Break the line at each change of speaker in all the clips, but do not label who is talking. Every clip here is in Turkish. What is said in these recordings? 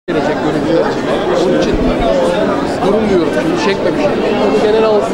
gelecek bölümde. Onun için durmuyorum. Çünkü çekmemişim. Onu genel alsın.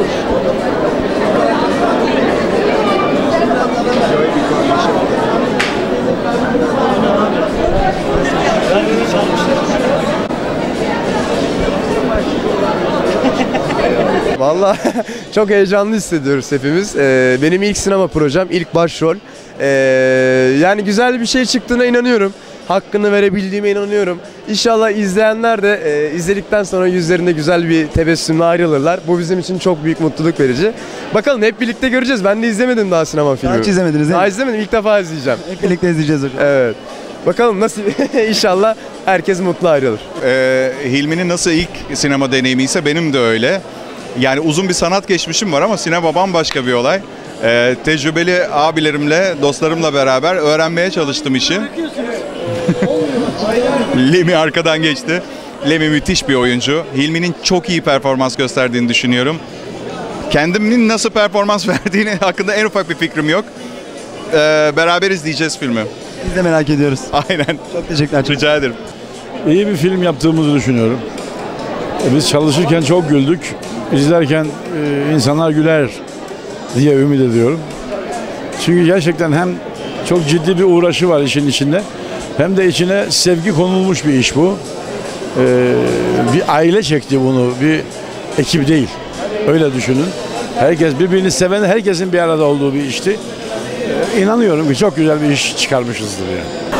Vallahi çok heyecanlı hissediyoruz hepimiz. Benim ilk sinema projem, ilk başrol. Yani güzel bir şey çıktığına inanıyorum. Hakkını verebildiğime inanıyorum. İnşallah izleyenler de izledikten sonra yüzlerinde güzel bir tebessümle ayrılırlar. Bu bizim için çok büyük mutluluk verici. Bakalım hep birlikte göreceğiz. Ben de izlemedim daha sinema filmi.
Daha hiç izlemediniz değil mi?
Daha izlemedim. İlk defa izleyeceğim.
Hep birlikte izleyeceğiz hocam.
Evet. Bakalım nasıl inşallah herkes mutlu ayrılır.
Hilmi'nin nasıl ilk sinema deneyimi ise benim de öyle. Yani uzun bir sanat geçmişim var ama sinema bambaşka bir olay. Tecrübeli abilerimle, dostlarımla beraber öğrenmeye çalıştım işi. Lemi arkadan geçti. Lemi müthiş bir oyuncu. Hilmi'nin çok iyi performans gösterdiğini düşünüyorum. Kendimin nasıl performans verdiğini hakkında en ufak bir fikrim yok. Beraber izleyeceğiz filmi.
Biz de merak ediyoruz.
Aynen.
Çok teşekkürler.
Rica ederim.
İyi bir film yaptığımızı düşünüyorum. Biz çalışırken çok güldük. İzlerken insanlar güler diye ümit ediyorum. Çünkü gerçekten hem çok ciddi bir uğraşı var işin içinde, hem de içine sevgi konulmuş bir iş bu. Bir aile çekti bunu, bir ekip değil. Öyle düşünün. Herkes birbirini seven, herkesin bir arada olduğu bir işti. İnanıyorum ki çok güzel bir iş çıkarmışızdır yani.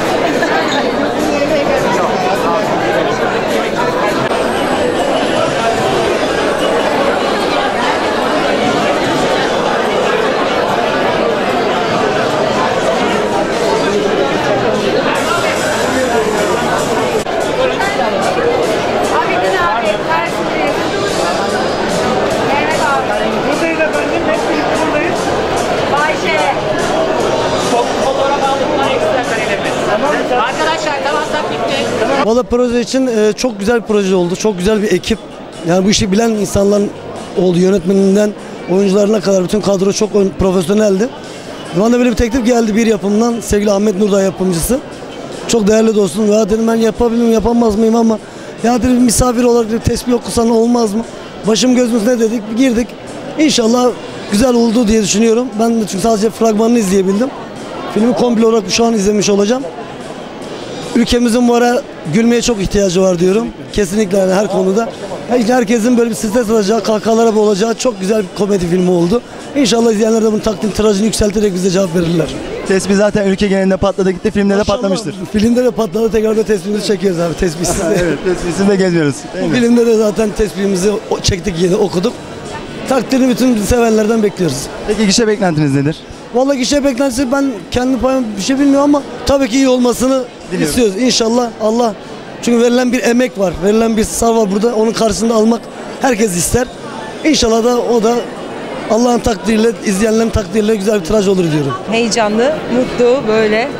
Valla proje için çok güzel bir proje oldu. Çok güzel bir ekip. Yani bu işi bilen insanların oldu. Yönetmeninden oyuncularına kadar bütün kadro çok profesyoneldi. Bana böyle bir teklif geldi bir yapımdan. Sevgili Ahmet Nurdağ yapımcısı. Çok değerli dostum. Ya dedim ben yapabilir miyim, yapamaz mıyım ama ya dedim misafir olarak bir tesbih okusan olmaz mı? Başım gözümüz ne dedik? Girdik. İnşallah güzel oldu diye düşünüyorum. Ben de çünkü sadece fragmanını izleyebildim. Filmi komple olarak şu an izlemiş olacağım. Ülkemizin bu ara gülmeye çok ihtiyacı var diyorum. Kesinlikle yani her konuda. Herkesin böyle bir stres alacağı, kahkahalara boğulacağı çok güzel bir komedi filmi oldu. İnşallah izleyenler de bunun takdim tirajını yükselterek bize cevap verirler.
Tespih zaten ülke genelinde patladı gitti, filmde de patlamıştır.
Filmde de patladı, tekrar da tespihimizi çekiyoruz abi, tespihsiz.
Evet, tespihsiz de gezmiyoruz.
Bu filmde de zaten tespihimizi çektik, yeni okuduk. Takdirini bütün sevenlerden bekliyoruz.
Peki gişe beklentiniz nedir?
Vallahi gişe beklentisi ben kendi payım bir şey bilmiyorum ama tabii ki iyi olmasını istiyoruz. İnşallah Allah, çünkü verilen bir emek var, verilen bir sar var burada, onun karşısında almak herkes ister. İnşallah da o da Allah'ın takdiriyle, izleyenlerin takdiriyle güzel bir tiraj olur diyorum.
Heyecanlı, mutlu böyle.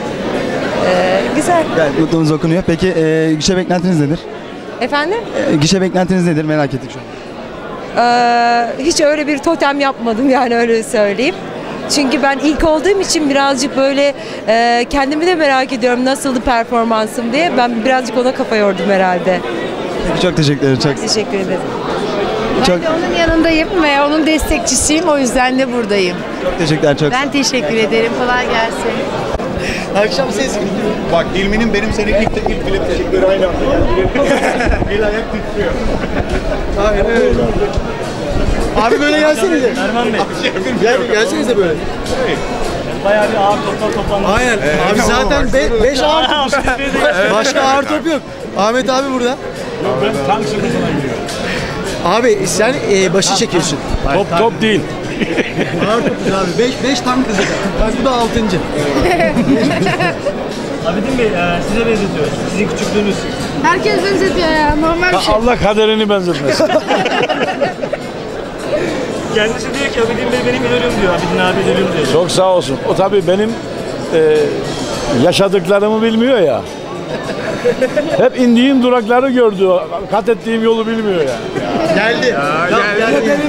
Güzel.
Yani mutluluğunuz okunuyor. Peki gişe beklentiniz nedir?
Efendim?
Gişe beklentiniz nedir? Merak ettik şu an.
Hiç öyle bir totem yapmadım yani, öyle söyleyeyim. Çünkü ben ilk olduğum için birazcık böyle kendimi de merak ediyorum nasıldı performansım diye. Ben birazcık ona kafa yordum herhalde.
Peki çok teşekkür ederim. Çok
Teşekkür ederim.
Çok,
Ben de onun yanındayım ve onun destekçisiyim. O yüzden de buradayım.
çok teşekkürler. Çok.
Ben teşekkür ederim. Kolay gelsin.
Akşam ses gidiyor.
Bak Hilmi'nin benim senin ilk film teşekkürleri aynı anda geldi. Bir ayak titriyor.
Abi böyle gelsenize. Erman Bey. Gelsenize böyle.
Bayağı bir ağır toplar toplandı.
Aynen. Abi zaten 5 ağır top. Başka ağır top yok. Ahmet abi burada.
Ben tank sınıfına giriyorum.
Abi sen başı çekiyorsun.
Top değil.
Ağır topuz abi. 5 tank kızı. Bak bu da 6.
Abidin Bey size benzetiyoruz. Sizin küçüklüğünüz.
Herkes benzetiyor ya. Normal bir şey.
Allah kaderini benzetmesin.
Kendisi diyor ki Abidin Bey benim idolüm diyor. Abidin abi idolüm diyor.
Çok sağ olsun. O tabii benim yaşadıklarımı bilmiyor ya. Hep indiğim durakları gördü. Kat ettiğim yolu bilmiyor yani.
Geldi. Geldi.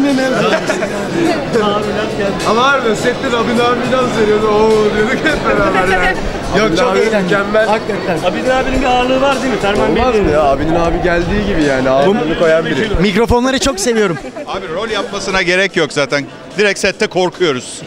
Abiler geldi.
Ama harbiden sette Rabin abi dans veriyordu. Oo diyorduk hep beraber yani.
Yok çok
abi
eğlendim.
mükemmel.
Hakikaten.
Abidin abinin bir ağırlığı var değil mi? Ferman Bey
Olmaz
değil
mı
mi?
ya? Abinin abi geldiği gibi yani. Ağırlığını koyan biri.
Mikrofonları çok seviyorum.
Abi rol yapmasına gerek yok zaten. Direkt sette korkuyoruz.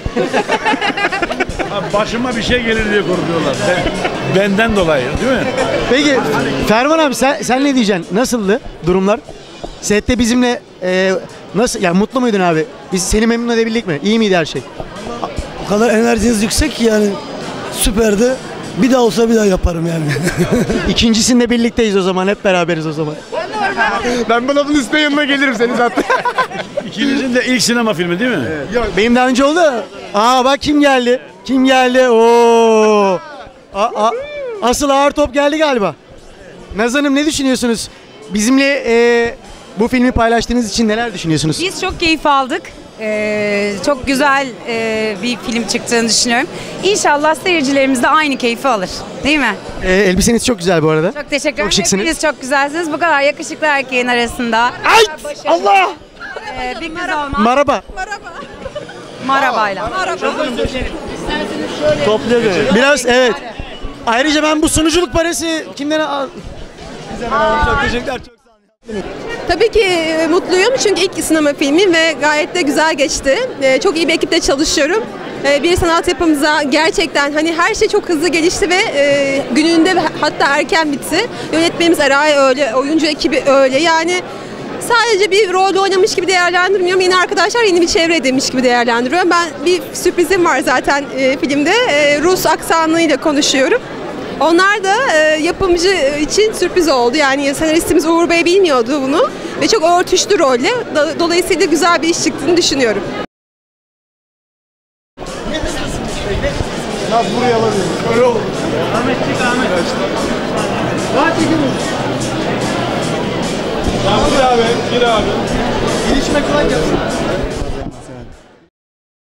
Başıma bir şey gelir diye korkuyorlar. Benden dolayı değil mi?
Peki Ferman abi sen ne diyeceksin? Nasıldı durumlar? Sette bizimle nasıl yani mutlu muydun abi? Biz seni memnun edebildik mi? İyi miydi her şey?
O kadar enerjiniz yüksek ki yani süperdi. Bir daha olsa bir daha yaparım yani.
İkincisinde birlikteyiz o zaman. Hep beraberiz o zaman.
Ben bu lafın üstüne yanına gelirim seni zaten.
İkinizin de ilk sinema filmi değil mi?
Yok benim daha önce oldu. Aa bak kim geldi? Kim geldi? Oo. Asıl ağır top geldi galiba. Naz Hanım ne düşünüyorsunuz? Bizimle bu filmi paylaştığınız için neler düşünüyorsunuz?
Biz çok keyif aldık. Çok güzel bir film çıktığını düşünüyorum. İnşallah seyircilerimiz de aynı keyfi alır. Değil mi?
Elbiseniz çok güzel bu arada.
Çok teşekkür ederim.
Çok şıksınız.
Hepiniz çok güzelsiniz. Bu kadar yakışıklı erkeğin arasında.
Ay! Allah!
Bir kız olmak.
Merhaba.
Marabayla.
Biraz evet. Ayrıca ben bu sunuculuk parası kimden al? Çok teşekkürler. Çok sağ olun.
Tabii ki mutluyum çünkü ilk sinema filmim ve gayet de güzel geçti. Çok iyi bir ekiple çalışıyorum. Bir sanat yapımıza gerçekten hani her şey çok hızlı gelişti ve gününde hatta erken bitti. Yönetmenimiz Eray öyle, oyuncu ekibi öyle. Yani sadece bir rol oynamış gibi değerlendirmiyorum. Yeni arkadaşlar yeni bir çevre edinmiş gibi değerlendiriyorum. Ben bir sürprizim var zaten filmde. Rus aksanıyla konuşuyorum. Onlar da yapımcı için sürpriz oldu. Yani senaristimiz Uğur Bey bilmiyordu bunu ve çok örtüştü rolle. Dolayısıyla güzel bir iş çıktığını düşünüyorum.
Naz buraya alabilirim. Öyle olur.
Ahmet çık Ahmet.
Gir abi, gir abi.
Girişime kolay gelsin.